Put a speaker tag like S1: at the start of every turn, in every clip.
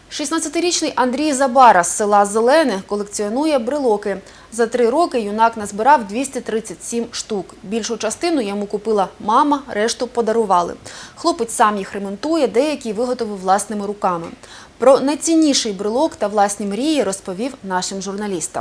S1: 16-річний Андрій Забара з села Зелене колекціонує брелоки. За 3 роки юнак назбирав 237 штук. Більшу частину йому купила мама, решту подарували. Хлопець сам їх ремонтує, деякі виготовив власними руками. Про найцінніший брелок та власні мрії розповів нашим журналістам.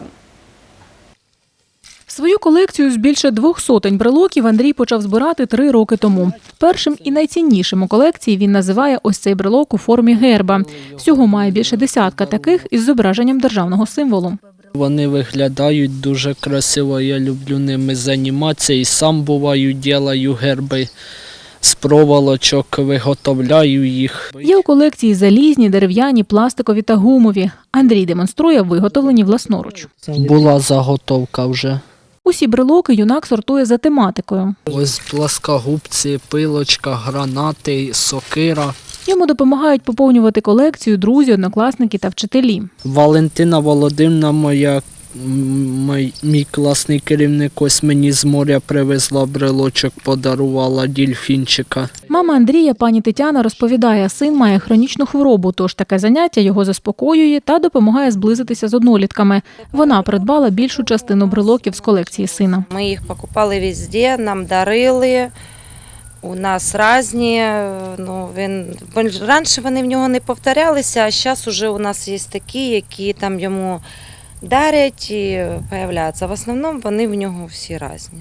S2: Свою колекцію з більше 200 брелоків Андрій почав збирати 3 роки тому. Першим і найціннішим у колекції він називає ось цей брелок у формі герба. Всього має більше десятка таких із зображенням державного символу.
S3: Вони виглядають дуже красиво, я люблю ними займатися і сам буваю, роблю герби з проволочок, виготовляю їх.
S2: Є у колекції залізні, дерев'яні, пластикові та гумові. Андрій демонструє виготовлені власноруч.
S3: Була заготовка вже.
S2: Усі брелоки юнак сортує за тематикою.
S3: Ось пласкогубці, пилочка, гранати, сокира.
S2: Йому допомагають поповнювати колекцію друзі, однокласники та вчителі.
S3: Валентина Володимирівна, мій класний керівник, ось мені з моря привезла брелочок, подарувала дельфінчика.
S2: Мама Андрія, пані Тетяна, розповідає, син має хронічну хворобу, тож таке заняття його заспокоює та допомагає зблизитися з однолітками. Вона придбала більшу частину брелоків з колекції сина.
S4: Ми їх покупали везде, нам дарили. У нас різні, раніше вони в нього не повторялися, а зараз вже у нас є такі, які там йому дарять і з'являються. В основному вони в нього всі різні.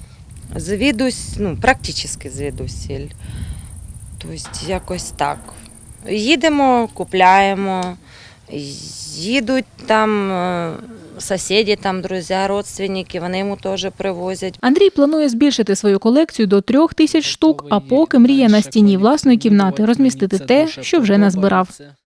S4: Практично звідусіль. Тобто якось так. Їдемо, купляємо, їдуть там сусіди, друзі, родственники, вони йому теж привозять.
S2: Андрій планує збільшити свою колекцію до 3000 штук, а поки мріє на стіні власної кімнати розмістити те, що вже назбирав.